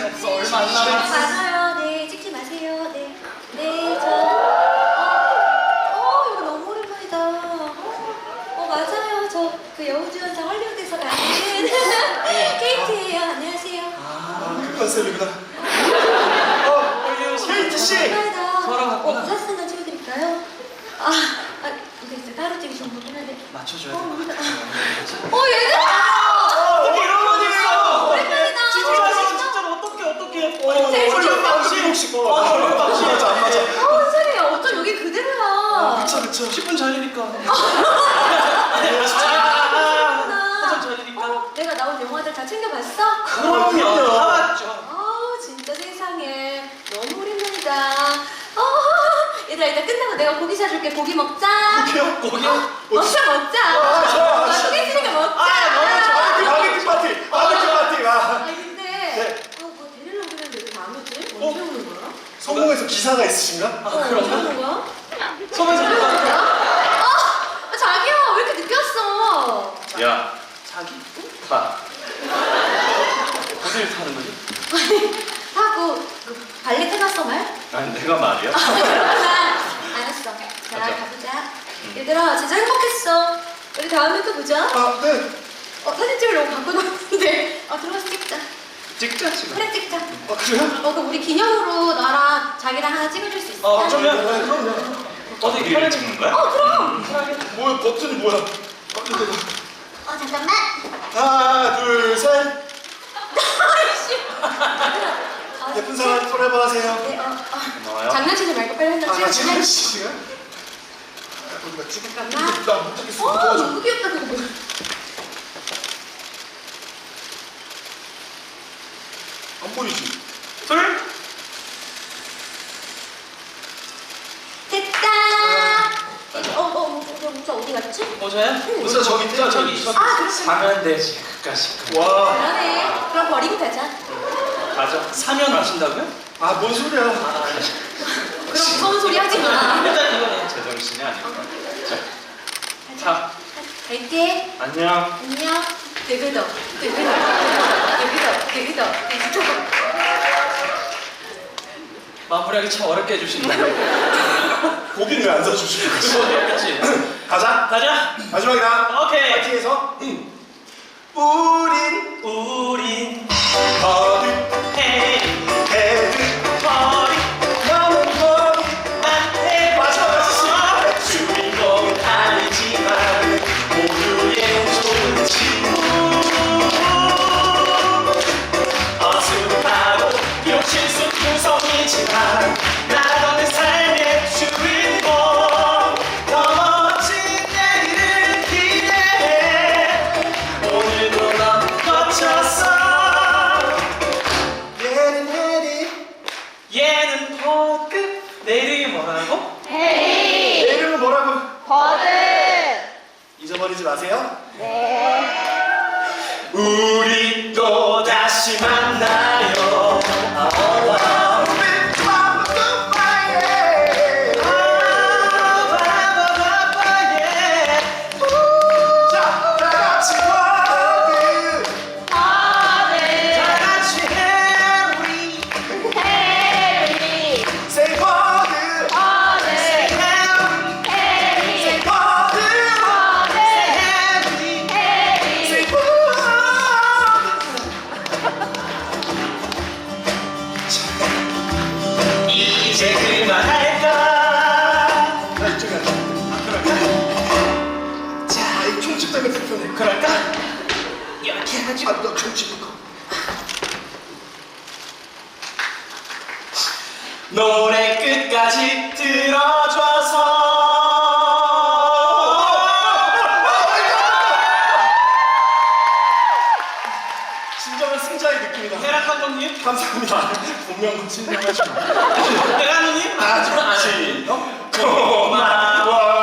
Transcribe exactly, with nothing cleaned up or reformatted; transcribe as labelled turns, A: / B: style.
A: 시작해서 얼마 안 남았어.
B: 맞아요. 네, 찍지 마세요. 네, 네, 저, 어, 어, 이거 너무 오랜만이다. 어, 맞아요. 저 그 여우주연상 헐리우드에서 나는 케이트예요. 안녕하세요.
C: 아, 그 컨셉이구나. 어, 케이트 씨.
B: 오랜만이다.
A: 저랑
B: 어,
A: 같구나.
B: 사진 한장 찍어드릴까요? 아, 아, 이거 진짜 따로 찍으시면 좋긴 한데.
A: 맞춰줘야
B: 어,
A: 돼.
B: 어, 얘들아!
A: 어떻게 이런 거 있어?
B: 오랜만이다.
A: 진짜로 진짜로 어떻게 어떻게? 어,
B: 제일
A: 얼른 방식.
C: 혹시
A: 어, 얼른 방식.
C: 안 맞아, 안 맞아.
B: 어, 선생님, 어쩜 여기 그대로야.
C: 그쵸, 그쵸.
A: 십 분 전이니까. 한참 전이니까.
B: 어, 내가 나온 영화들 다 챙겨봤어?
A: 그럼요. 다 맞죠.
B: 아, 진짜 세상에. 너무 오랜만이다. 어, 얘들아, 이따 끝나고 내가 고기 사줄게. 고기 먹자.
C: 고기요?
A: 고기요?
B: 먹자, 먹자.
C: 아, 좋아.
B: 아, 소개 있으니까 먹자.
A: 아, 먹자.
C: 바베큐 파티! 바베큐 파티! 아.
B: 아, 근데,
C: 네.
B: 아, 뭐 데리러 오긴 했는데 왜 안 오지? 언제 오는 거야?
C: 성공해서 기사가 있으신가?
A: 아,
B: 어, 언제
A: 그런가?
B: 오는 거야?
A: 소매서
B: 언제 오는 거야? 아, 자기야, 왜 이렇게 늦게 왔어?
D: 야,
A: 자기?
D: 타. 어딜 타는 거지?
B: 하고, 그, 발레 타봤어, 말?
D: 아니, 내가 말이야?
B: 그렇구나. 알았어. 자,
D: 가자.
B: 가보자. 얘들아, 진짜 행복했어. 우리 다음에 또 보자.
C: 아, 네.
B: 어, 사진 찍으려고 갖고 나왔는데. 어, 들어가서 찍자.
D: 찍자, 지금.
B: 그래, 찍자.
C: 아, 그래요?
B: 어, 그럼 우리 기념으로 너랑 자기랑 하나 찍어줄 수 있어?
A: 어,
B: 어,
A: 그러면
C: 네, 그럼요.
A: 어디
D: 우리를
A: 편에
D: 찍는 거야?
B: 그럼.
C: 뭐야, 버튼이 뭐야? 버튼 내가.
B: 어, 잠깐만.
C: 하나, 둘, 셋.
B: 아이씨. 어,
C: 예쁜 사람 포레버 하세요.
B: 네, 어, 어.
D: 고마워요.
B: 장난치지 말고 빨리 한장
C: 아,
B: 찍어줄래?
C: 지금 씨가? 어디가 찍어?
B: 잠깐만.
C: 나못 찍겠어.
B: 어,
C: 도와줘.
B: 너무 귀엽다, 그거 뭐야.
C: 안 보이지?
A: 둘.
B: 됐다. 어, 어, 어, 어, 모자 어디 갔지?
A: 모자야?
C: 모자 저기 있다, 저기.
A: 저기.
B: 아, 그렇구나.
D: 사면 되지, 그까짓 거.
C: 와.
B: 그러네. 그럼 버리고 가자.
D: 가자.
A: 사면 하신다고요?
C: 아, 뭔 소리야.
B: 그럼 무서운 소리 하지 마.
A: 일단 이거네.
D: 제정신이 아니구나. 자,
B: 가자.
D: 타.
B: 갈게.
D: 안녕.
B: 안녕. 되그덕, 되그덕, 되그덕, 되그덕, 되그덕.
A: 마무리하기 참 어렵게 해주신다.
C: 고기는 왜 안 사주시는 거지?
A: 그치?
C: 가자.
A: 가자.
C: 마지막이다.
A: 오케이.
C: 파티에서. 우린
A: 우린
C: 거듭
A: 헤이
C: 헤드
A: 머리
C: 나는 거기
A: 안 해.
C: 맞아, 맞아.
A: 주인공은 아니지만 모두의 좋은 친구. 어수룩하고 비록 실수 구성이지만 나라는 삶의 주인공. 더 멋진 내일을 기대해. 오늘도 넌 거쳤어.
C: 얘는 해리
A: 얘는 버드. 내 이름이 뭐라고?
C: 내 이름은 뭐라고?
B: 버드.
C: 잊어버리지 마세요.
A: 우리 또 다시 만나요. 아와.
C: 자, 다 같이 와드
A: 다 같이 해리.
C: Say 와드 Say 와드 Say 와드
A: 이제 그만할까?
C: 나 이쪽에 앉아. 자, 이 총집 때문에 불편해.
A: 그럴까? 이렇게 해가지고.
C: 아, 너 총집 이거.
A: 노래 끝까지 들어줘서.
C: 진정한 승자의 느낌이다.
A: 해라 감독님.
C: 감사합니다. 분명 진정하시고.
A: 내가 감독님.
C: 아, 좋지. 어?
A: 고마워.